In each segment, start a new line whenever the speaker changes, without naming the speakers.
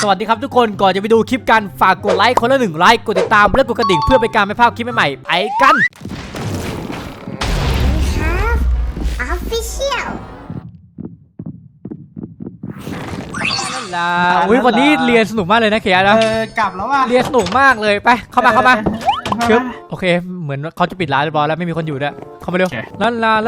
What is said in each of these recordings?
สวัสดีครับทุกคนก่อนจะไปดูคลิปกันฝากกดไลค์คนละ1 ไลค์กดติดตามและกดกระดิ่งเพื่อเป็นการไม่พลาดคลิปใหม่ๆไปกันวันนี้เรียนสนุกมากเลยนะเขียนะ
กลับแล้วว่ะ
เรียนสนุกมากเลยไปเข้ามาชึบโอเคเหมือนเขาจะปิดร้านเรียบร้อยแล้วไม่มีคนอยู่ด้วยเข้ามาเร็วลันลา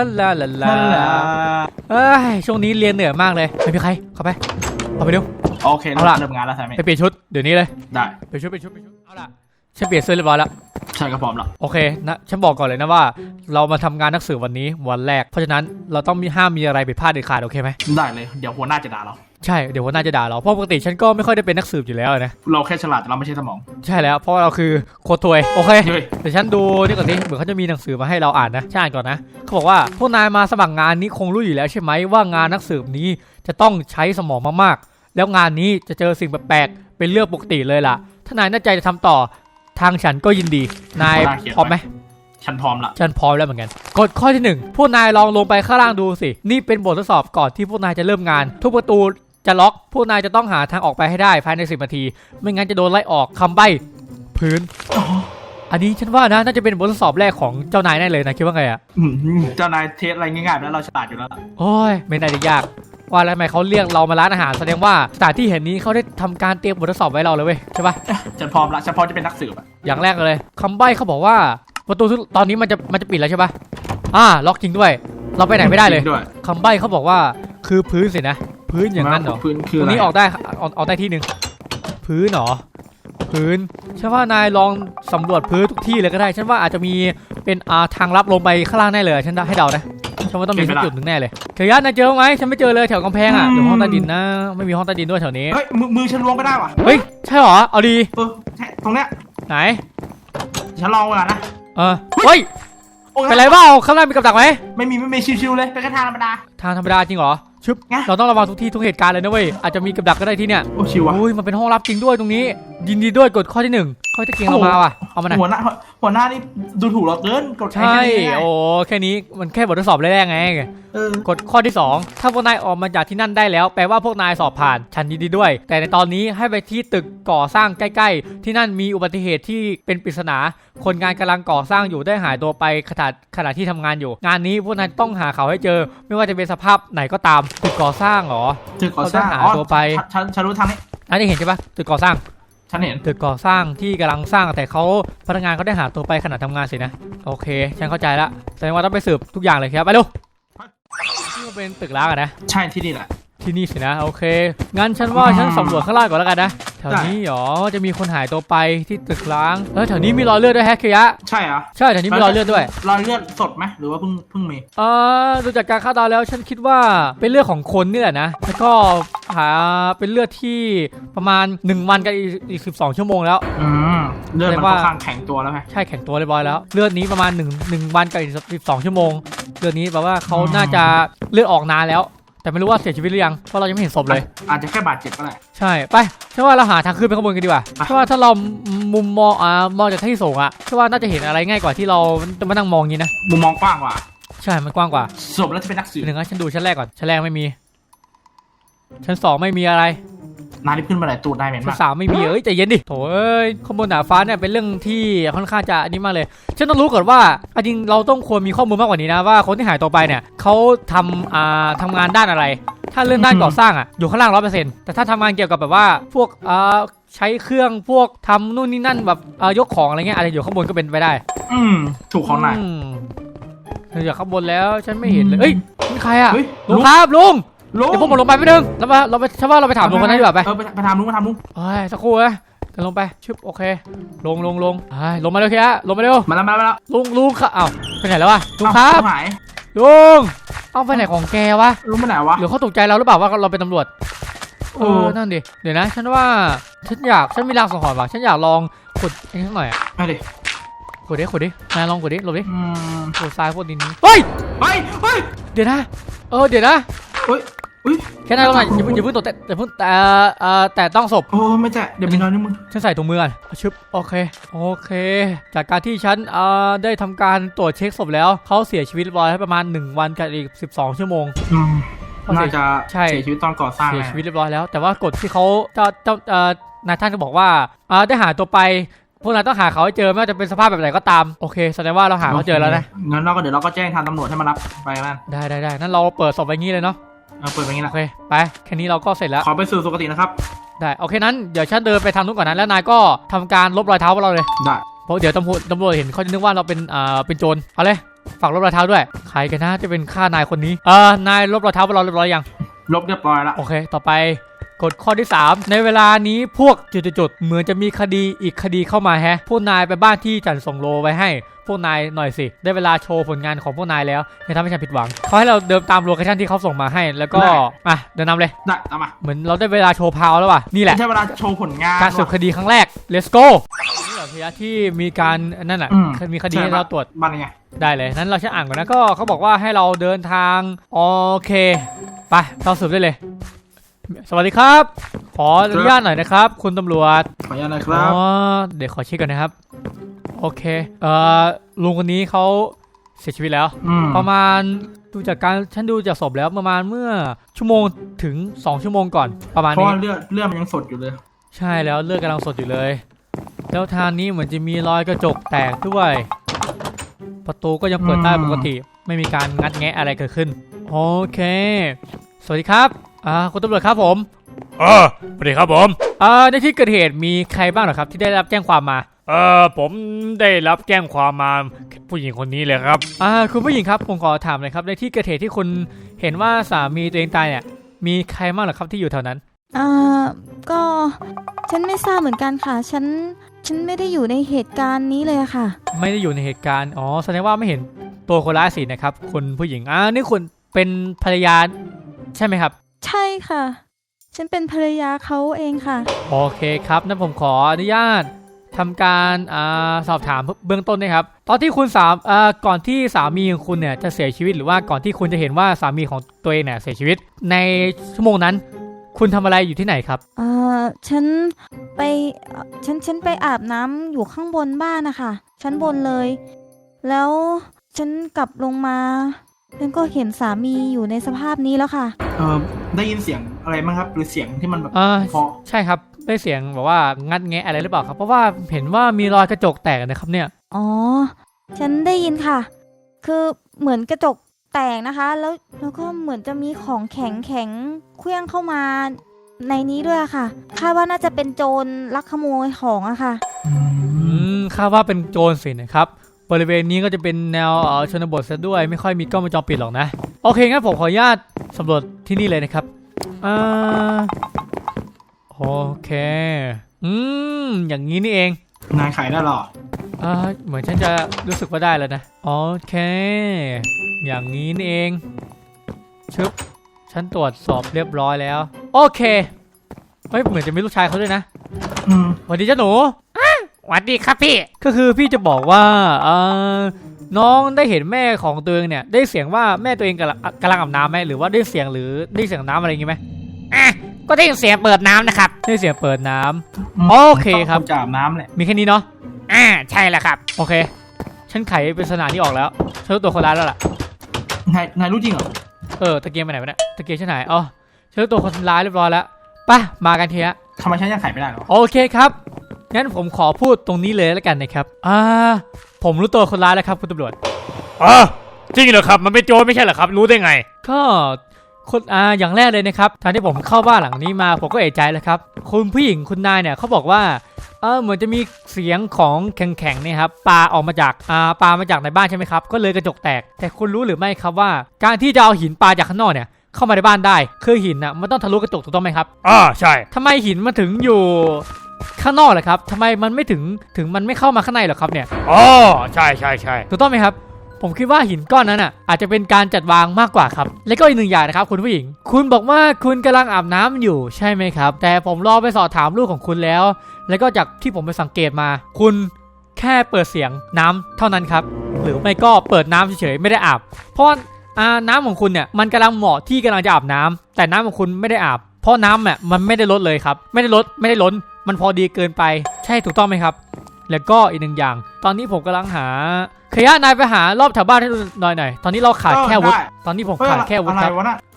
ช่วงนี้เรียนเหนื่อยมากเลยไม่มีใครเข้าไปเร็ว
โอเคเริ่มงานแล้วใช่ไหม
ไปเปลี่ยนชุดเดี๋ยวนี้เลย
ได้
ไปชุดเอาล่ะฉันเปลี่ยนเสื้อเรียบร้อยแล้ว
ใช่ก็พร้อมแล้ว
โอเคนะฉันบอกก่อนเลยนะว่าเรามาทำงานนักสืบวันนี้วันแรกเพราะฉะนั้นเราต้องห้ามมีอะไรผิดพลาดเด็ดขาดโอเคไหม
ได้เลยเดี๋ยวหัวหน้าจะด่าเรา
ใช่เดี๋ยวหัวหน้าจะด่าเราเพราะปกติฉันก็ไม่ค่อยได้เป็นนักสืบอยู่แล้วนะ
เราแค่ฉลาดแต่เราไม่ใช่สมอง
ใช่แล้วเพราะเราคือโคตรถวยโอเคแต่ฉันดูนี่ก่อนดิเหมือนเขาจะมีหนังสือมาให้เราอ่านนะฉันอ่านก่อนนะเขาบอกว่าพวกนายมาสมัครงานนี้คงรู้อยู่แล้วใช่ไหมว่างานนักสืบนี้จะต้องใช้สมองมากๆแล้วงานนี้จะเจอสิ่งแปลกๆเป็นเรื่องปกติเลยล่ะถ้านายน่าใจจะทำต่อทางฉันก็ยินดีนายพร้อมไหม
ฉันพร้อมละ
ฉันพร้อมแล้วเหมือนกันกฎข้อที่1พวกนายลองลงไปข้างล่างดูสินี่เป็นบททดสอบก่อนที่พวกนายจะเริ่มงานทุกประตูจะล็อกพวกนายจะต้องหาทางออกไปให้ได้ภายใน10 นาทีไม่งั้นจะโดนไล่ออกคำใบ้พื้นอันนี้ฉันว่านะน่าจะเป็นบททดสอบแรกของเจ้านายแน่เลยนะคิดว่าไงอะ
เจ้านายเทสอะไรง่ายๆแล้วเราฉลาดอยู่แล้ว
โอ้ยไม่น่าจะยากว่าแล้วทำไมเขาเรียกเรามาร้านอาหารแสดงว่าสถานที่แห่งนี้เขาได้ทำการเตรียมบททดสอบไว้เราเลยเว้ยใช่ปะ
ฉันพร้อมละฉันพร้อมจะเป็นนักสืบ
อย่างแรกเลยคำใบ้เขาบอกว่าประตูตอนนี้มันจะปิดแล้วใช่ปะล็อกจริงด้วยเราไปไหนไม่ได้เลยคำใบ้เขาบอกว่าคือพื้นสินะพื้นอย่างนั้นเหรอ
พื้นคือ
ตรงนี้ออกได้ที่หนึ่งพื้นเหรอพื้นฉันว่านายลองสำรวจพื้นทุกที่เลยก็ได้ฉันว่าอาจจะมีเป็นทางลับลงไปข้างล่างแน่เลยฉันให้เดานะฉันว่าต้องมีสักจุดหนึ่งแน่เลยเขียนนายเจอไหมฉันไม่เจอเลยแถวกำแพงอ่ะหรือห้องใต้ดินนะไม่มีห้องใต้ดินด้วยแถวนี้
เฮ้ยมือฉันล้วงก็ได้ว่ะ
เฮ้ยใช่เหรอเอาดี
ตรงเนี้ย
ไหน
ฉันลองก่อนนะ
เฮ้ยเป็นไรบ้างข้างล่างมีกับดักไหม
ไม่มีชิวๆเลยเป็นแค่ทางธรรมดา
จริงเหรอชึบเราต้องระวังทุกที่ทุกเหตุการณ์เลยนะเว้ยอาจจะมีกับดักก็ได้ที่เนี่ย
โอ้ชิวอ่ะ
อุ้ยมันเป็นห้องลับจริงด้วยตรงนี้ยินดีด้วยกฎข้อที่1ข้อที่เก่งเรามาว่ะเอามาหน่อย
หัวหน้านี่ดูถูกเราเกินกฎ
ใช่โอ้แค่นี้มันแค่บททดสอบแรกไงกฎข้อที่2ถ้าพวกนายออกมาจากที่นั่นได้แล้วแปลว่าพวกนายสอบผ่านฉันยินดีด้วยแต่ในตอนนี้ให้ไปที่ตึกก่อสร้างใกล้ๆที่นั่นมีอุบัติเหตุที่เป็นปริศนาคนงานกำลังก่อสร้างอยู่ได้หายตัวไปขณะที่ทำงานอยู่งานนี้พวกนายต้องหาเขาให้เจอไม่ว่าจะเป็นสภาพไหนก็ตามตึกก่อสร้างหรอ
ตึกก่อสร้าง
หาตัวไป
ฉันรู้ทางนี้
นั่นเห็นใช่ปะตึกก่อสร้าง
ฉันเห็น
ตึกก่อสร้างที่กำลังสร้างแต่เขาพนักงานเขาได้หาตัวไปขณะทำงานสินะโอเคฉันเข้าใจละแสดงว่าต้องไปสืบทุกอย่างเลยครับไปดูนี่มันเป็นตึกร้างอะนะ
ใช่ที่นี่แหละ
ที่นี่สินะโอเคงั้นฉันว่าฉันสำรวจข้างล่างก่อนแล้วกันนะแถวนี้หรอจะมีคนหายตัวไปที่ตึกร้างแถวนี้มีรอยเลือดด้วยแฮกเคียะ
ใช่เหรอ
ใช่แถวนี้มีรอยเลือดด้วย
รอยเลือดสดไหมหรือว่าเพิ่งมี
ดูจากการคาดเดาแล้วฉันคิดว่าเป็นเลือดของคนนี่แหละนะแล้วก็หาเป็นเลือดที่ประมาณ1 วันกับอีก12 ชั่วโมงแล้ว
เลือดมันค่อนข้างแข็งตัวแล้วไง
ใช่แข็งตัวเรียบร้อยแล้วเลือดนี้ประมาณ1 วันกับอีก12 ชั่วโมงเลือดนี้แปลว่าเขาน่าจะเลือดออกนานแล้วแต่ไม่รู้ว่าเสียชีวิตหรือยังเพราะเรายังไม่เห็นศพเลย
อาจจะแค่บาดเจ็บก็ได้
ใช่ไปใช่ว่าเราหาทางขึ้นไปข้างบนกันดีกว่าเพราะว่าถ้าเรามุมมองจากที่สูงอะใช่ว่าน่าจะเห็นอะไรง่ายกว่าที่เราจะมานั่งมองงี้นะ
มุมมองกว้างกว่า
ใช่มันกว้างกว่า
ศพแล้วจะเป็นนักสืบ
ฉันดูชั้นแรกก่อนชั้นแรกไม่มีชั้น2ไม่มีอะไร
นาที่ขึ้นมาไหนตูดได้เหม็นมาก
ชั้น3ไม่มีใจเย็นดิโถข้างบนหนาฟ้าเนี่ยเป็นเรื่องที่ค่อนข้างจะอันนี้มากเลยฉันต้องรู้ก่อนว่าจริงเราต้องควรมีข้อมูลมากกว่านี้นะว่าคนที่หายตัวไปเนี่ยเขาทำงานด้านอะไรถ้าเรื่องด้านก่อสร้างอยู่ข้างล่าง100%แต่ถ้าทำงานเกี่ยวกับแบบว่าพวกใช้เครื่องพวกทำนู่นนี่นั่นแบบยกของอะไรเงี้ยอะไรอยู่ข้างบนก็เป็นไปได้
ถูกของไหน
อยู่ข้างบนแล้วฉันไม่เห็นเลยเฮ้ยนี่ใครลุงครับลุงเดี๋ยวพวกผมลงไปไม่ดึงเราไปใช่ว่าเราไปถามลุงกันได้ดีกว่าไป
ไปถามลุง
สักครู่เลยเดินลงไปชึบโอเคลงลงมาเร็วเคียลงมาเร็ว
มาแล้ว
ลุงค่ะอ้าวไปไหนแล้ววะลุงครับลุงเอาไปไหนของแกวะ
ลุงไปไหนวะ
หรือเขาตกใจเราหรือเปล่าว่าเราเป็นตำรวจนั่นดิเดี๋ยวนะฉันว่าฉันมีรางสังหรณ์ว่ะฉันอยากลองขุดเองสักหน่อย
มาดิ
ขุดดินายลองขุดดิหลบดิขุดทรายพวกดินนี้เฮ้ยเดี๋ยวนะเดี๋ยวนะแค่นั้นก็ได้อย่าเพิ่งตกแต่ต้องศพ
ไม่แตะเดี๋ยวมีรอยนิ้วมือ
ฉันใส่ถุงมือก่อนชึบโอเคจากการที่ฉันได้ทำการตรวจเช็คศพแล้วเขาเสียชีวิตเรียบร้อยประมาณ1 วันกับอีก12 ชั่วโมงเพราะ
น่าจะ
ใช่
เสียชีวิตตอนก่อสร้าง
เสียชีวิตเรียบร้อยแล้วแต่ว่ากฎที่เขานายท่านก็บอกว่าได้หาตัวไปพวกนายต้องหาเขาให้เจอไม่ว่าจะเป็นสภาพแบบไหนก็ตามโอเคแสดงว่าเราหาเขาเจอแล้วนะ
งั้นเราก็เดี๋ยวเราก็แจ้งทางตำรวจให้มารับไปนั่น
ได้นั่นเราเปิดศพไปงี้เลยเนาะ
เปิดไปงี้
โอ
นะ
เคไปแค่นี้เราก็เสร็จแล้ว
ขอไปสู่สุคตินะครับ
ได้โอเคนั้นเดี๋ยวฉันเดินไปทางนู้นก่อนนะแล้วนายก็ทำการลบรอยเท้าของเราเลย
ได้
เพราะเดี๋ยวตำรวจเห็นเขาจะนึกว่าเราเป็นโจรเอาเลยฝากลบรอยเท้าด้วยใครกันนะจะเป็นฆ่านายคนนี้นายลบรอยเท้าของเราเรียบร้อยยัง
ลบเรียบร้อยแล้ว
โอเคต่อไปกฎข้อที่ 3 ในเวลานี้พวกจุดๆเหมือนจะมีคดีอีกคดีเข้ามาแฮะพวกนายไปบ้านที่จันส่งโลไว้ให้พวกนายหน่อยสิได้เวลาโชว์ผลงานของพวกนายแล้วอย่าทำให้ฉันผิดหวังเขาให้เราเดินตามโลเคชั่นที่เขาส่งมาให้แล้วก็เดินนำเลย
ได้ตามมา
เหมือนเราได้เวลาโชว์พาวแล้วว่ะนี่แหละ
ใช้เวลาโชว์ผลงาน
การสืบคดีครั้งแรก let's go นี่เหรอพยาที่มีการนั่นแหละมีคดีให้เราตรวจ
บ้านไง
ได้เลยนั้นเราใช้อ่านก่อนนะก็เขาบอกว่าให้เราเดินทางโอเคไปเราสืบได้เลยสวัสดีครับ ขออนุญาตหน่อยนะครับ คุณตำรวจ
ขออนุญาตหน่อยครับ
เดี๋ยวขอเช็คก่อนนะครับโอเคลุงคนนี้เขาเสียชีวิตแล้ว ประมาณดูจากการฉันดูจากศพแล้วประมาณเมื่อชั่วโมงถึง2 ชั่วโมงก่อนประมาณ
เพราะ
นี้
ว่าเลือดมันยังสดอยู่เลย
ใช่แล้วเลือดกำลังสดอยู่เลยแล้วทางนี้เหมือนจะมีรอยกระจกแตกด้วย ประตูก็ยังเปิดได้ปกติไม่มีการงัดแงะอะไรเกิดขึ้นโอเคสวัสดีครับคุณตำรวจครับผม
สวัสดีครับผม
ในที่เกิดเหตุมีใครบ้างเหรอครับที่ได้รับแจ้งความมา
ผมได้รับแจ้งความมาผู้หญิงคนนี้เลยครับ
คุณผู้หญิงครับผมขอถามหน่อยครับในที่เกิดเหตุที่คุณเห็นว่าสามีตัวเองตายเนี่ยมีใครบ้างเหรอครับที่อยู่แถวนั้น
ก็ฉันไม่ทราบเหมือนกันค่ะฉันไม่ได้อยู่ในเหตุการณ์นี้เลยอะค่ะ
ไม่ได้อยู่ในเหตุการณ์แสดงว่าไม่เห็นตัวคนร้ายสินะครับคุณผู้หญิงนี่คุณเป็นภรรยาใช่ไหมครับ
ใช่ค่ะ ฉันเป็นภรรยาเขาเองค่ะ
โอเคครับนั้นผมขออนุญาตทำการสอบถามเบื้องต้นนะครับตอนที่คุณก่อนที่สามีของคุณเนี่ยจะเสียชีวิตหรือว่าก่อนที่คุณจะเห็นว่าสามีของตัวเองเนี่ยเสียชีวิตในชั่วโมงนั้นคุณทำอะไรอยู่ที่ไหนครับ
ฉันไปฉันไปอาบน้ำอยู่ข้างบนบ้านนะคะชั้นบนเลย แล้วฉันกลับลงมาฉันก็เห็นสามีอยู่ในสภาพนี้แล้วค่ะ
ได้ยินเสียงอะไรบ้างครับหรือเสียงที่มันแบบพอ
ใช่ครับได้เสียงแบบว่างัดแงะอะไรหรือเปล่าครับเพราะว่าเห็นว่ามีรอยกระจกแตกนะครับเนี่ย
ฉันได้ยินค่ะคือเหมือนกระจกแตกนะคะแล้วก็เหมือนจะมีของแข็งเคลื่องเข้ามาในนี้ด้วยค่ะคาดว่าน่าจะเป็นโจรลักขโมยของอะค่ะ
คาดว่าเป็นโจรสินะครับบริเวณนี้ก็จะเป็นแนวชนบทซะด้วยไม่ค่อยมีกล้องวงจรปิดหรอกนะโอเคงั้นผมขออนุญาตสำรวจที่นี่เลยนะครับโอเคอย่างนี้นี่เอง
นายขายได้หรอ
เหมือนฉันจะรู้สึกว่าได้แล้วนะโอเคอย่างนี้นี่เองชึบฉันตรวจสอบเรียบร้อยแล้วโอเคเหมือนจะมีลูกชายเขาด้วยนะสวัสดีจ้าหนู
สวัสดีครับพี่
ก็คือพี่จะบอกว่าน้องได้เห็นแม่ของตัวเองเนี่ยได้เสียงว่าแม่ตัวเองกำลังอาบน้ำไหมหรือว่าได้เสียงน้ำอะไรอย่างงี้ไหม
ก็ได้ยินเสียงเปิดน้ำนะครับ
ได้เสียงเปิดน้ำโอเคครับ
จะอาบน้ำแหละ
มีแค่นี้เนาะ
ใช่แล้วครับ
โอเคฉันไขปริศนานี้ออกแล้วฉันรู้ตัวคนร้ายแล้วล่ะ
นายรู้จริงเหรอ
ตะเกียงไปไหนวะเนี่ยตะเกียงฉันไหนฉันรู้ตัวคนร้ายเรียบร้อยแล้วไปมากันทีละ
ทำไมฉันยังไขไม่ได้หรอ
โอเคครับงั้นผมขอพูดตรงนี้เลยแล้วกันนะครับผมรู้ตัวคนร้ายแล้วครับคุณตำรวจ
จริงเหรอครับมันเป็นโจรไม่ใช่เหรอครับรู้ได้ไง
ก็คนอย่างแรกเลยนะครับทางที่ผมเข้าบ้านหลังนี้มาผมก็เอะใจแล้วครับคุณผู้หญิงคุณนายเนี่ยเขาบอกว่าเหมือนจะมีเสียงของแข็งๆเนี่ยครับปลาออกมาจากมาจากในบ้านใช่ไหมครับก็เลยกระจกแตกแต่คุณรู้หรือไม่ครับว่าการที่จะเอาหินปลาจากข้างนอกเนี่ยเข้ามาในบ้านได้คือหินน่ะมันต้องทะลุกระจกถูกต้องไหมครับ
ใช่
ทำไมหินมันถึงอยู่ข้างนอกเลยครับทำไมมันไม่ถึงมันไม่เข้ามาข้างในหรอครับเนี่ย
ใช่
ถูกต้องไหมครับผมคิดว่าหินก้อนนั้นอาจจะเป็นการจัดวางมากกว่าครับและก็อีกหนึ่งอย่างนะครับคุณผู้หญิงคุณบอกว่าคุณกำลังอาบน้ำอยู่ใช่ไหมครับแต่ผมรอไปสอบถามลูกของคุณแล้วก็จากที่ผมไปสังเกตมาคุณแค่เปิดเสียงน้ำเท่านั้นครับหรือไม่ก็เปิดน้ำเฉยๆไม่ได้อาบเพราะน้ำของคุณเนี่ยมันกำลังเหมาะที่กำลังจะอาบน้ำแต่น้ำของคุณไม่ได้อาบเพราะน้ำมันไม่ได้ลดเลยครับไม่ได้ล้นมันพอดีเกินไปใช่ถูกต้องไหมครับแล้วก็อีกหนึ่งอย่างตอนนี้ผมกำลังหาขยะนายไปหารอบแถวบ้านให้หน่อยตอนนี้เราขาดแค่วุฒิตอนนี้ผมขาดแค่วุฒิครับ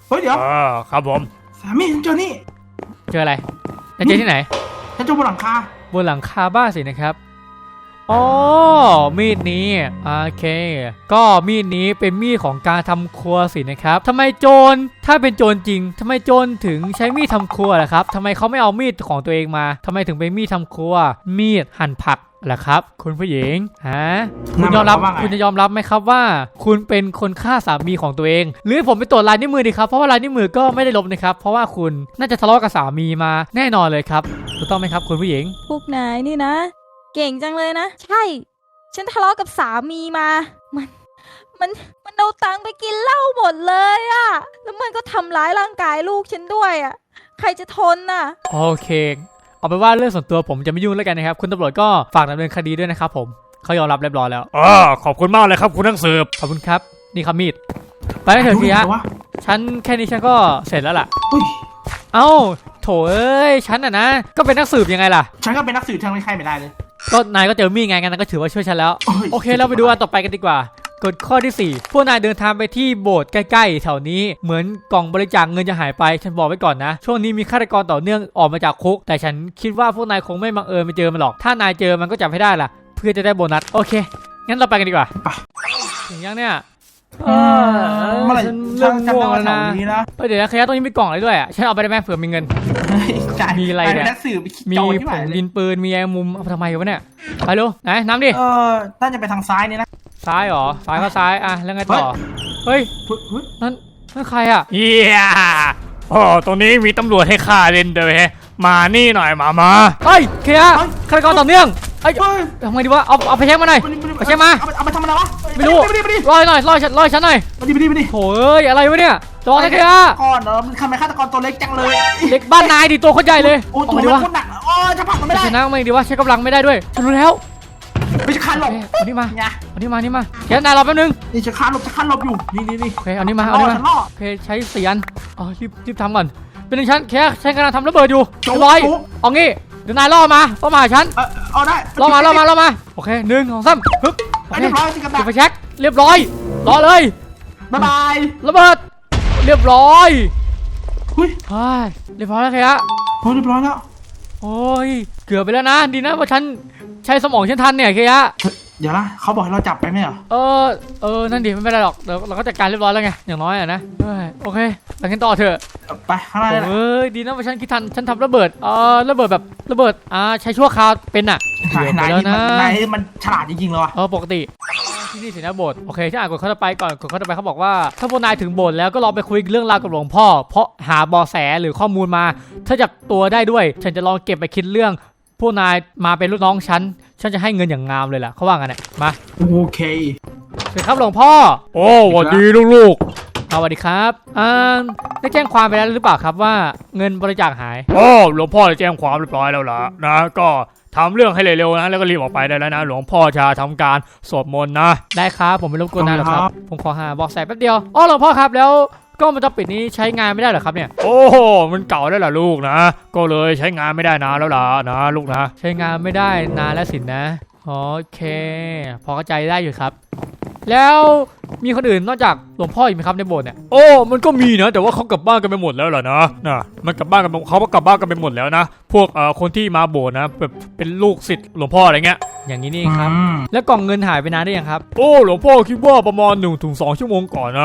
เฮ้ยเดี๋ยว
ครับผม
สามีฉันเจอนี่
เจออะไรนายเจอที่ไหน
ฉันเจอบนหลังคา
บนหลังคาบ้านสินะครับอ๋อมีดนี้โอเค ก็มีดนี้เป็นมีดของการทำครัวสินะครับทำไมโจรถ้าเป็นโจรจริงทำไมโจรถึงใช้มีดทำครัวล่ะครับทำไมเขาไม่เอามีดของตัวเองมาทำไมถึงเป็นมีดทำครัว มีดหั่นผักล่ะครับคุณผู้หญิงฮะคุณยอมรับคุณจะยอมรับไหมครับว่า คุณเป็นคนฆ่าสามีของตัวเอง หรือผมไปตรวจลายนิ้วมือดีครับเพราะว่าลายนิ้วมือก็ไม่ได้ลบนะครับเพราะว่าคุณน่าจะทะเลาะกับสามีมาแน่นอนเลยครับถูกต้องไหมครับคุณผู้หญิง
พวกนายนี่นะ เก่งจังเลยนะ ใช่ ฉันทะเลาะกับสามีมา มันเอาตังค์ไปกินเหล้าหมดเลยอะแล้วมันก็ทำร้ายร่างกายลูกฉันด้วยอะใครจะทนน่ะ
โอเคเอาเป็นว่าเรื่องส่วนตัวผมจะไม่ยุ่งแล้วกันนะครับคุณตำรวจก็ฝากดำเนินคดีด้วยนะครับผมเขายอมรับเรียบร้อยแล้ว
ขอบคุณมากเลยครับคุณนักสืบ
ขอบคุณครับนี่ครับมีดไปกันเถอะทีฮะ
ดูดิวะ
ฉันแค่นี้ฉันก็เสร็จแล้วล่ะ
อุ้ย
เอ้าโถเอ้ยฉันอ่ะนะก็เป็นนักสืบยังไงล่ะ
ฉันก็เป็นนักสืบฉันไม่ใครไม่ได้เลย
ก็นายก็เจอมีดไงงั้นก็ถือว่าช่วยฉันแล้ว
โอ้ย
โอเคเราไปดูอันต่อไปกันดีกว่ากฎข้อที่ 4 พวกนายเดินทางไปที่โบสถ์ใกล้ๆแถวนี้เหมือนกล่องบริจาคเงินจะหายไปฉันบอกไว้ก่อนนะช่วงนี้มีฆาตกรต่อเนื่องออกมาจากคุกแต่ฉันคิดว่าพวกนายคงไม่บังเอิญไปเจอมันหรอกถ้านายเจอมันก็จับให้ได้ล่ะเพื่อจะได้โบนัสโอเคงั้นเราไปกันดีกว่าถึงยังเนี่ย
เมื่อไหร่
ฉัน
ฉั
เริ่
น
ม
จำ
ง่ว
ได้
ง
ว่า
แล้ว
แถ
นะ
วนี้นะ
เดี๋ยวนะขยะตรงนี้มีกล่องอะไรด้วยอ่ะฉันเอาไปได้ไหมเผื่อมีเงิน
จ่าย
มีอะไรเนี่ย
ปนักสืบไปคิด
มี
โจรที่
ผ
ไหน
ง
เลย
ดินปืนมีแอร์มุมเอาไปทำไมวะเนี่ยไปเร็วไหนน้ำดิ
น่าจะไปทางซ้ายนี่นะ
ซ้ายเหรอซ้ายก็ซ้ายอ่ะแล้วไงต่อเฮ้ย
เฮ้ย
นั่นใครอ่ะ
เฮียตรงนี้มีตำรวจให้ข้าเล่นด้วยแฮะมานี่หน่อยมา
เฮ้ยเคลียร์ฆาตกรต่อเนื่องเอ้ย
เฮ้ย
ทำไงดีวะเอาไปแช็คมาหน่อย ไปเช็คมา
เอาไปทำอะไรวะ
ไม่รู้
ไปดิ
รอฉันหน่อย
ไปดิ
โถ่เอ้ยอะไรวะเนี่ยรอนะเคลียร์
ก่อนมันทำไมฆาตกรตัวเล็กจังเลย
เด็กบ้านนายดิตัวคนใหญ่เลย
โอ้
เอา
ตัว
ไงดี
มัน
วะ
โคตรหนักโอ้จะผลักมันไม่ได้
ชนะไม่ดีวะใช้กำลังไม่ได้ด้วยฉันรู้แล้ว
ไม่ใช่คานหลบ
เอานี่มา
ไง
เอานี่มาเดี๋ยวนายรอแป๊บนึง
นี่จะคานหลบอยู่นี่
โอเคเอานี่มา
ฉันล่อ
โอเคใช้4 อันอ๋อรีบทำก่อนเป็นหนึ่งชั้นแค่ฉันกำลังทำระเบิดอยู่เรียบร้อยเอางี้เดี๋ยวนายล่อมาหาฉัน
เอาได้
ล่อมาโอเค1 2 3ฮึบโอเค
เรียบร้อยจิกกระ
เก็
ดา
บ
ษ
ไปเช็คเรียบร้อยรอเลย
บ๊ายบาย
ระเบิดเรียบร้อย
เฮ้ย
เรียบร้อยแล้วครับ
เรียบร้อยแล้ว
โอ้ยเกือบไปแล้วนะดีนะว่าฉันใช้สมองฉันทันเนี่ยเคยะ
เดี๋ยวนะเขาบอกให้เราจับไปไหมเหรอ
นั่นดิไม่เป็นไรหรอกเดี๋ยวเราก็จัดการเรียบร้อยแล้วไงอย่างน้อยอะนะโอเคไปกันต่อเถอะ
ไปข้างหน้าเลยนะ
เอ้ยดีนะว่าฉันคิดทันฉันทำระเบิดระเบิดแบบระเบิดใช้ชั่วคราวเป็นอะเกือบไปแล้วนะ
นายมันฉลาดจริงๆเลยว่ะ
ปกติที่นี่สินะโบสถ์โอเคที่อ่านกฎข้อต่อไปก่อนกฎข้อต่อไปเขาบอกว่าถ้าพวกนายถึงโบสถ์แล้วก็ลองไปคุยเรื่องราวกับหลวงพ่อเพราะหาเบาะแสหรือข้อมูลมา ถ้าจับตัวได้ด้วย ฉันจะลองเก็บไปคิดเรื่องพวกนายมาเป็นลูกน้องฉันจะให้เงินอย่างงามเลยล่ะเขาว่างั้นเนี่ยมา
โอเค
สวัสดีครับหลวงพ่อ
โอ้สวัสดีลูก
สวัสดีครับได้แจ้งความไปแล้วหรือเปล่าครับว่าเงินบริจาคหาย
ๆหลวงพ่อได้แจ้งความเรียบร้อยแล้วล่ะนะก็ทำเรื่องให้เร็วๆนะแล้วก็รีบออกไปได้แล้วนะหลวงพ่อจะทำการสวดมนต์นะ
ได้ครับผมไม่รบกวนนานหรอกครับผมขอหาเบอกแสแป๊บเดียวหลวงพ่อครับแล้วกล้องวงจรปิดนี้ใช้งานไม่ได้เหรอครับเนี่ย
โอ้มันเก่าแล้วล่ะลูกนะก็เลยใช้งานไม่ได้นานแล้วล่ะนะลูกนะ
ใช้งานไม่ได้นานแล้วสินะโอเค พอเข้าใจได้อยู่ครับ แล้วมีคนอื่นนอกจากหลวงพ่ออีกไหมครับในโบสถ์เนี่ย
มันก็มีนะแต่ว่าเขากลับบ้านกันไปหมดแล้วล่ะนะมันกลับบ้านกันเขาก็กลับบ้านกันไปหมดแล้วนะพวกคนที่มาโบสถ์นะแบบเป็นลูกศิษย์หลวงพ่ออะไรเงี้ย
อย่างนี้นี่เองครับแล้วกล่องเงินหายไปนานได้ยังครับ
หลวงพ่อคิดว่าประมาณ 1-2 ชั่วโมงก่อนนะ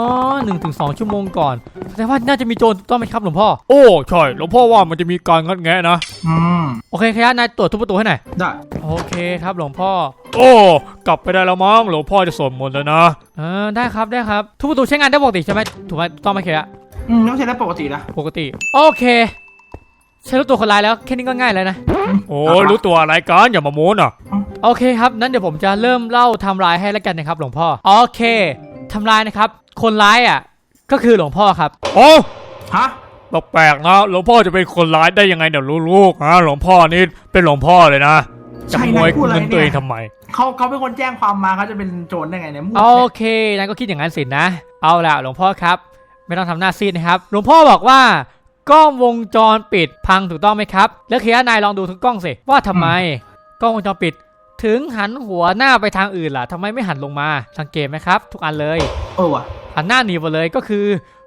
1-2 ชั่วโมงก่อนแสดงว่าน่าจะมีโจรถูกต้องไหมครับหลวงพ่อ
ใช่หลวงพ่อว่ามันจะมีการงัดแงะนะ
โอเคครับนายตรวจทุกประตูให้หน่อย
ได้
โอเคครับหลวงพ่อ
กลับไปได้แล้วมั้งหลวงพ่อจะสวดมนต์แล้วนะ
ได้ครับทุกประตูใช้งานได้ปกติใช่ไหมถูกไหมถูกต้องไหมเคยะ
ไม่ใช่ได้ปกตินะ
ปกติโอเคใช้รู้ตัวคนร้ายแล้วแค่นี้ก็ง่ายแล้วนะ
รู้ตัวอะไรกันอย่ามาโม้น่ะ
โอเคครับนั้นเดี๋ยวผมจะเริ่มเล่าไทม์ไลน์ให้แล้วกันนะครับหลวงพ่อโอเคไทม์ไลน์นะครับคนร้ายก็คือหลวงพ่อครับ
ฮะ
แปลกๆนะหลวงพ่อจะเป็นคนร้ายได้ยังไงเดี๋ยวลูกๆหลวงพ่อนี่เป็นหลวงพ่อเลยนะจะขโมยเงินตัวเองทำไม
เขาเป็นคนแจ้งความมาเขาจะเป็นโจรได้ไงเนี่ย
โอเคนายก็คิดอย่างนั้นสินะเอาล่ะหลวงพ่อครับไม่ต้องทำหน้าซีดนะครับหลวงพ่อบอกว่ากล้องวงจรปิดพังถูกต้องไหมครับแล้วเคลียร์นายลองดูทุกกล้องสิว่าทำไมกล้องวงจรปิดถึงหันหัวหน้าไปทางอื่นล่ะทำไมไม่หันลงมาสังเกตไหมครับทุกอันเลย
ว่ะ
หันหน้าหนีไปเลยก็คือ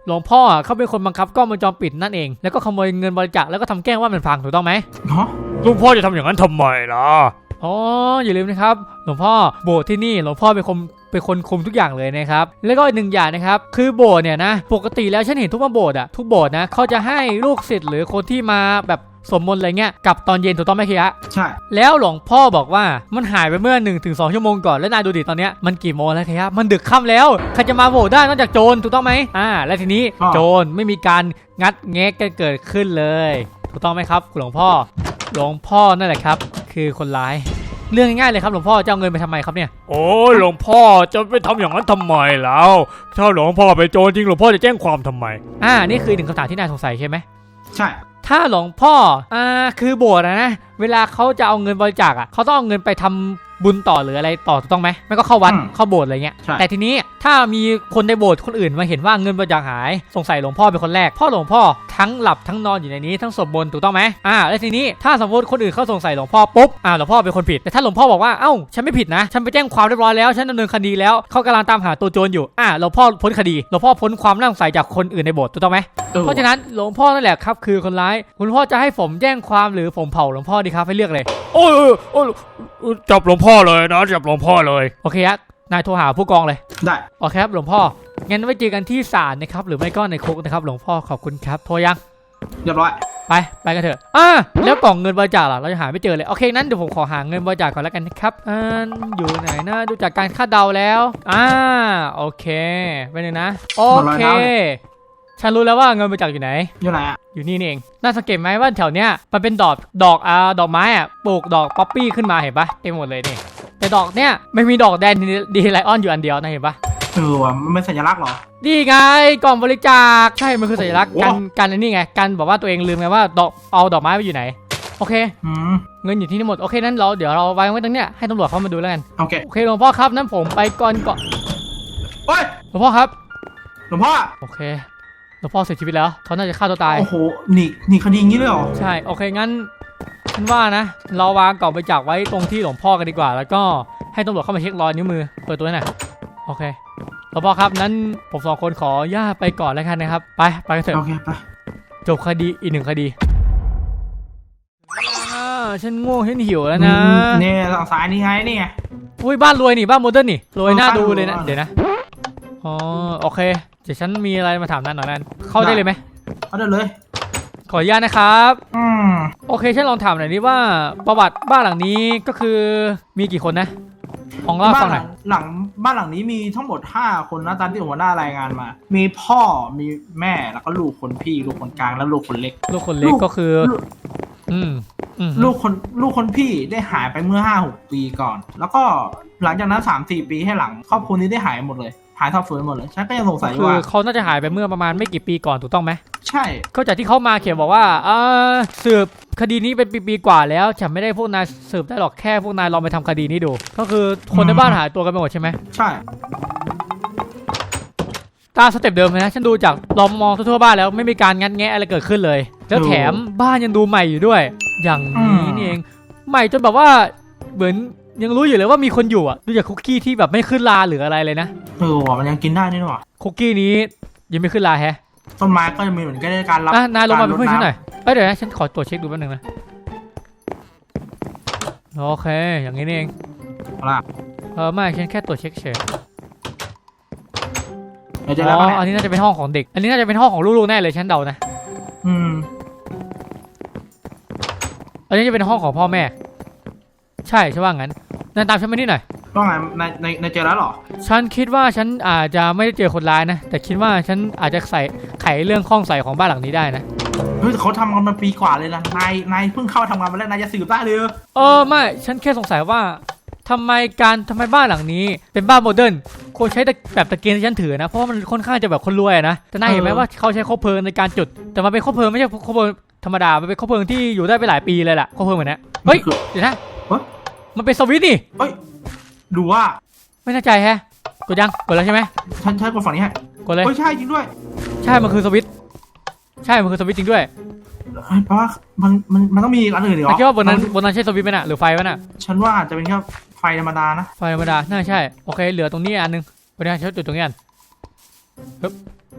หลวงพ่อเขาเป็นคนบังคับกล้องวงจรปิดนั่นเองแล้วก็ขโมยเงินบริจาคแล้วก็ทำแกล้งว่ามันพังถูกต้องไหม
เนาะ
หลวงพ่อจะทำอย่างนั้นทำไมล่ะ
อ๋ออย่าลืมนะครับหลวงพ่อโบสถ์ที่นี่หลวงพ่อเป็นคนคุมทุกอย่างเลยนะครับแล้วก็อีกหนึ่งอย่างนะครับคือโบสถ์เนี่ยนะปกติแล้วฉันเห็นทุกโบสถ์อะทุกโบสถ์นะเขาจะให้ลูกศิษย์หรือคนที่มาแบบสวดมนต์อะไรเงี้ยกลับตอนเย็นถูกต้องไหมคียะ
ใช่
แล้วหลวงพ่อบอกว่ามันหายไปเมื่อ 1-2 ชั่วโมงก่อนแล้วนายดูดิตอนเนี้ยมันกี่โมงแล้วคียะมันดึกค่ำแล้วใครจะมาโบสถ์ได้นอกจากโจรถูกต้องไหมและทีนี้โจรไม่มีการงัดแงะกันเกิดขึ้นเลยถูกต้องไหมครับหลวงพ่อนั่นแหละครับคือคนร้ายเรื่องง่ายๆเลยครับหลวงพ่อจะเอาเงินไปทำไมครับเนี่ย
โอ้ยหลวงพ่อจะไปทำอย่างนั้นทำไมแล้วถ้าหลวงพ่อไปโจรจริงหลวงพ่อจะแจ้งความทำไม
นี่คือหนึ่งคำถามที่นายสงสัยใช่ไหม
ใช่
ถ้าหลวงพ่อคือโบสถ์นะเวลาเขาจะเอาเงินบริจาคเขาต้องเอาเงินไปทำบุญต่อหรืออะไรต่อถูกต้องไหมไม่ก็เข้าวัดเข้าโบสถ์อะไรเงี้ยแต่ทีนี้ถ้ามีคนในโบสถ์คนอื่นมาเห็นว่าเงินบริจาคหายสงสัยหลวงพ่อเป็นคนแรกพ่อหลวงพ่อทั้งหลับทั้งนอนอยู่ในนี้ทั้งสวดมนต์ถูกต้องไหมแล้วทีนี้ถ้าสมมติคนอื่นเขาสงสัยหลวงพ่อปุ๊บหลวงพ่อเป็นคนผิดแต่ถ้าหลวงพ่อบอกว่าเอ้าฉันไม่ผิดนะฉันไปแจ้งความเรียบร้อยแล้วฉันดำเนินคดีแล้วเขากำลังตามหาตัวโจรอยู่หลวงพ่อพ้นคดีหลวงพ่อพ้นความน่าสงสัยจากคนอื่นในโบสถ์ถูกต้องไหมเพราะฉะนั้นหลวงพ่อนั่นแหละครับคือคนร้ายคุณพ่อจะให้ผมแจ้งความหรือผมเผาหลวงพ่อดีครับให้เลือกเลย
โอ้ยจับหลวงพ่อเลยนะจับหลวงพ่อเลย
โอเคครับนายโทรหาผู้กองเลย
ได้
โอเคครับหลวงพ่องั้นไว้เจอกันที่ศาลนะครับหรือไม่ก็ในคุกนะครับหลวงพ่อขอบคุณครับโทรยัง
เรียบร้อย
ไปกันเถอะแล้วกล่องเงินบริจาคล่ะเราจะหาไม่เจอเลยโอเคนั้นเดี๋ยวผมขอหาเงินบริจาคก่อนแล้วกันนะครับอยู่ไหนนะดูจากการคาดเดาแล้วโอเคไปเลยนะโอเคฉันรู้แล้วว่าเงินบริจาคอยู่ไหน
อยู่ไหนอ่ะ
อยู่นี่เองน่าสังเกตไหมว่าแถวเนี้ยมันเป็นดอกไม้ปลูกดอกป๊อปปี้ขึ้นมาเห็นปะเต็มหมดเลยนี่แต่ดอกเนี้ยไม่มีดอกแดนดีไลออนอยู่อันเดียวนะเห็นปะ
ว่ะมันเป็นสัญลักษณ์เหรอ
นี่ไงกล่องบริจาคใช่มันคือสัญลักษณ์กันนี่ไงกันบอกว่าตัวเองลืมไงว่าเอาดอกไม้ไปอยู่ไหนโอเคเงินอยู่ที่นี่หมดโอเคนั้นเดี๋ยวเราวางไว้ตรงเนี้ยให้ตำรวจเข้ามาดูแล้วกันโอเคหลวงพ่อครับนั้นผมไปก่อน
เฮ้ย
หลวงพ่อครับ
หลวงพ่อ
โอเคหลวงพ่อเสียชีวิตแล้วเขาน่าจะฆ่าตัวตาย
โอ้โหหนีคดีงี้เลยเหรอ
ใช่โอเคงั้นฉันว่านะเราวางกล่องบริจาคไว้ตรงที่หลวงพ่อกันดีกว่าแล้วก็ให้ตำรวจเข้ามาเช็ครอยนิ้วมือเปิดตัวหน่อยโอเคหลวงพ่อครับนั้นผม2 คนขอย่าไปก่อนแล้วกันนะครับไปกันเถอะ
โอเคไป
จบคดีอีก1 คดีฉันง่วงฉันหิวแล้วนะ
เนี่ยทางซ้ายนี่ไงนี่ไง
อุ้ยบ้านรวยนี่บ้านโมเดิร์นนี่รวยน่าดูเลยนะเดี๋ยวนะโอเคเดี๋ยวฉันมีอะไรมาถามนั่นหน่อยนั่นเข้าได้เลยไหม
เข้าได้เลย
ขออนุญาตนะครับโอเคฉันลองถามหน่อยดิว่าประวัติบ้านหลังนี้ก็คือมีกี่คนนะของเล่าฟังหน่อย
บ้านหลังนี้มีทั้งหมด5 คนนะตามที่หัวหน้ารายงานมามีพ่อมีแม่แล้วก็ลูกคนพี่ลูกคนกลางแล้วลูกคนเล็ก
ก็คือ
ลูกคนพี่ได้หายไปเมื่อ 5-6 ปีก่อนแล้วก็หลังจากนั้น 3-4 ปีให้หลังครอบครัวนี้ได้หายหมดเลยหายทับฟื้นหมดเลยฉันก็ยังสงสัยว่า
เขาน่าจะหายไปเมื่อประมาณไม่กี่ปีก่อนถูกต้องไหม
ใช่
ก็จากที่เขามาเขียนบอกว่าสืบคดีนี้เป็นปีกว่าแล้วฉันไม่ได้พวกนายสืบได้หรอกแค่พวกนายลองไปทำคดีนี้ดูก็คือคนในบ้านหายตัวกันไปหมดใช่ไหม
ใช่
ตามสเต็ปเดิมเลยนะฉันดูจากลองมองทั่วบ้านแล้วไม่มีการงัดแงะอะไรเกิดขึ้นเลยแล้วแถมบ้านยังดูใหม่อยู่ด้วยอย่างนี้นี่เองใหม่จนแบบว่าเหมือนยังรู้อยู่เลยว่ามีคนอยู่ดูจากคุกกี้ที่แบบไม่ขึ้นราหรืออะไรเลยนะ
มันยังกินได้นี่หรอ
คุกกี้นี้ยังไม่ขึ้นราแฮะ
ต้นไม้ก็จะมีเหมือนกันในการรับ
นายลงมาเป็นเพื่อนฉันหน่อยเดี๋ยวนะฉันขอตรวจเช็คดูแป๊บนึงนะโอเคอย่างนี้นี่เองไม่ฉันแค่ตรวจเช็คเฉยอันนี้น่าจะเป็นห้องของเด็กอันนี้น่าจะเป็นห้องของลูกๆแน่เลยฉันเดานะอันนี้จะเป็นห้องของพ่อแม่ใช่ว่างั้นนั่นตามฉันมานี่หน่อย
ว่าไงในเจอแล้วหรอ
ฉันคิดว่าฉันอาจจะไม่ได้เจอคนร้ายนะแต่คิดว่าฉันอาจจะไขเรื่องข้องใส่ของบ้านหลังนี้ได้นะ
เฮ้ยเขาทำกันมาปีกว่าเลยนะนายเพิ่งเข้าทำงานมาแล้วนายจะสืบได้เลย
ไม่ฉันแค่สงสัยว่าทำไมบ้านหลังนี้เป็นบ้านโมเดิร์นควรใช้แบบตะเกียงที่ฉันถือนะเพราะว่ามันค่อนข้างจะแบบคนรวยนะแต่นายเห็นไหมว่าเขาใช้คบเพลิงในการจุดแต่มันเป็นคบเพลิงไม่ใช่คบเพลิงธรรมดามันเป็นคบเพลิงที่อยู่ได้ไปหลายปีเลยแหละคบเพลิงเหมือนนี้เฮ้ยเดี๋ยวนะมันเป็นสวิตช์นี่
เฮ้ยดูว่า
ไม่แน่ใจแฮะกดยังกดแล้วใช่ไหม
ฉันใช้กดฝั่งนี้ฮะ
กดเลย
ใช่จริงด้วย
ใช่มันคือสวิตช์จริงด้วย
เพราะว่ามันต้องมีอันอื่นหรอ
คิดว่าบนนั้นใช่สวิตช์ไหมน่ะหรือไฟวะน่ะ
ฉันว่าอาจจะเป็นแค่ไฟธรรมดานะ
ไฟธรรมดาน่าใช่โอเคเหลือตรงนี้อันนึงบนนั้นใช้จุดตรงนี้อัน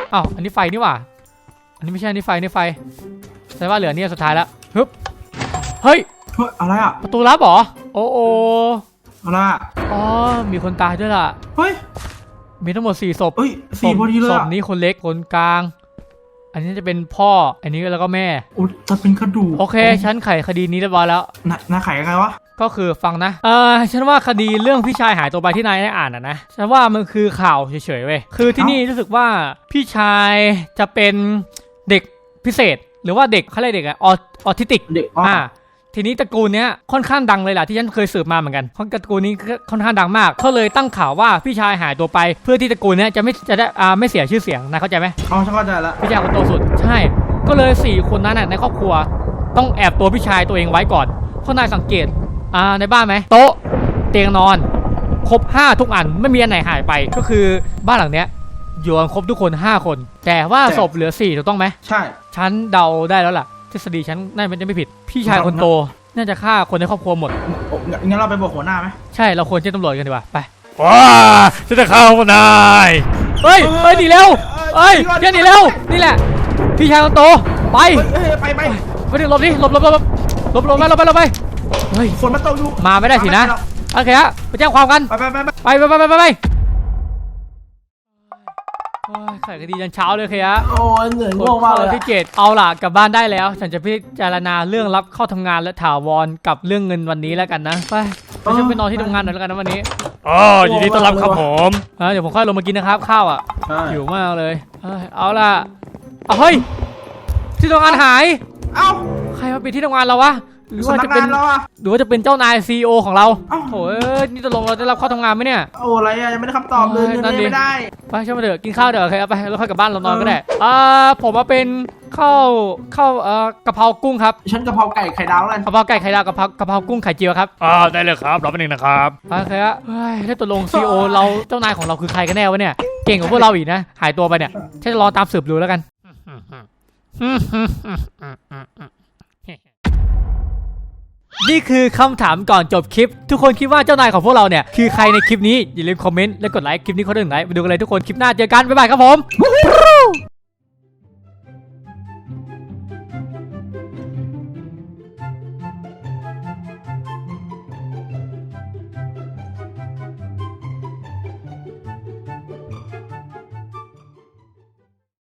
อ้าวอันนี้ไฟนี่หว่าอันนี้ไม่ใช่อันนี้ไฟนี่ไฟแสดงว่าเหลือเนี่ยสุดท้ายแล้วฮึบเฮ้ย
เฮ้ยอะไรอ่ะ
ประตูลับเหรอโอ้โอ
อะไรอ่ะ
อ๋อมีคนตายด้วยล่ะ
เฮ้ย
มีทั้งหมด4ศพ
เฮ้ยสี่พอดีเลย
ศพ
อ่ะ
นี้คนเล็กคนกลาง อันนี้จะเป็นพ่ออันนี้แล้วก็แม่
โอ้จะเป็นกระดูก
โอเคฉันไขคดีนี้เรียบร้อยแล้ว
นายไขยังไงวะ
ก็คือฟังนะฉันว่าคดีเรื่องพี่ชายหายตัวไปที่นายได้อ่านนะฉันว่ามันคือข่าวเฉยๆเว้ยคือที่นี่รู้สึกว่าพี่ชายจะเป็นเด็กพิเศษ หรือว่าเด็กเขาเรียกเด็กอะออทิสติก
เด็ก
ทีนี้ตระกูลเนี้ยค่อนข้างดังเลยล่ะที่ฉันเคยสืบมาเหมือนกันเพราะตระกูลนี้ค่อนข้างดังมากเขาเลยตั้งข่าวว่าพี่ชายหายตัวไปเพื่อที่ตระกูลเนี้ยจะได้ไม่เสียชื่อเสียงนะเข้าใจไหม
อ๋อฉันเข้าใจแล้ว
พี่ชายคนโตสุดใช่ก็เลย4คนนั้นน่ะในครอบครัวต้องแอบตัวพี่ชายตัวเองไว้ก่อนเพราะนายสังเกตในบ้านไหมโต๊ะเตียงนอนครบ5ทุกอันไม่มีอันไหนหายไปก็คือบ้านหลังเนี้ยอยู่กันครบทุกคน5คนแต่ว่าศพเหลือ4ถูกต้องไหม
ใช่
ฉันเดาได้แล้วล่ะทฤษฎีฉันน่าจะไม่ผิดพี่ชายคนโตน่าจะฆ่าคนในครอบครัวหมด
งั้นเราไปบอกหัวหน้าไหม
ใช่เราควรแจ้งตำรวจกันดีกว่าไป
ว้าฉันจะเข้านาย
เฮ้ยหนีเร็วเฮ้ยเดี๋ยวหนีเร็วนี่แหละพี่ชายคนโตไป
ไป
ไปดิหลบดิหลบไปเฮ้ย
ฝนมันตกอยู่
มาไม่ได้สินะโอเคฮะไปแจ้งความกัน
ไป
ไปโอ้ยไขคดียันเช้าเลยเคฮะ
โอ้ยเหนื่อยง่วงมากเลย
ที่7เอาล่ะกลับบ้านได้แล้ว ฉันจะพิจารณาเรื่องรับเข้าทำงานและถาวรกับเรื่องเงินวันนี้แล้วกันนะไปฉันไปนอนที่ทำงานหน่อยแล้วกันนะวันนี้
อ๋อยินดีต้อนรับครับผม
เดี๋ยวผมค่อยลงมากินนะครับข้าวอ่ะ
ใช่
หิวมากเลยเอาล่ะเฮ้ยที่ทำงานหาย
เอ้า
ใครมาปิดที่ทำงานเราวะหรือ
สำ
ว่า
นั
จะ
ก
เป็น
งานเราอะ
หรือว่าจะเป็นเจ้านายซีอของเรา
เอ้า
โถ่นี่ตกลงเราจะรับเข้าทำงานไหมเนี่ย
โอ้อะไรอะยังไม่ได้คำตอบเลยเงิน
นั่นดิ
ไม่ได้
ไปช่างมาเถอะกินข้าวเดี๋ยวโอเคเอาไปแล้วค่อยกลับบ้านเรานอนก็ได้ผมมาเป็นข้าวกะเพรากุ้งครับ
ฉันกะเพราไก่ไข่ดาวแล้วกัน
กะเพราไก่ไข่ดาวกะเพรากุ้งไข่เจียวครับ
ได้เลยครับรอแป๊บนึงนะครับ
โอเคฮะเฮ้ยได้ตกลงซีอเราเจ้านายของเราคือใครกันแน่วะเนี่ยเก่งกว่าพวกเราอีกนะหายตัวไปเนี่ยฉันจะรอตามสืบดูแล้วกันนี่คือคำถามก่อนจบคลิปทุกคนคิดว่าเจ้านายของพวกเราเนี่ยคือใครในคลิปนี้อย่าลืมคอมเมนต์และกดไลค์คลิปนี้คนหนึ่งไลค์ไปดูกันเลยทุกคนคลิปหน้าเจอกันบ๊ายบายครับผม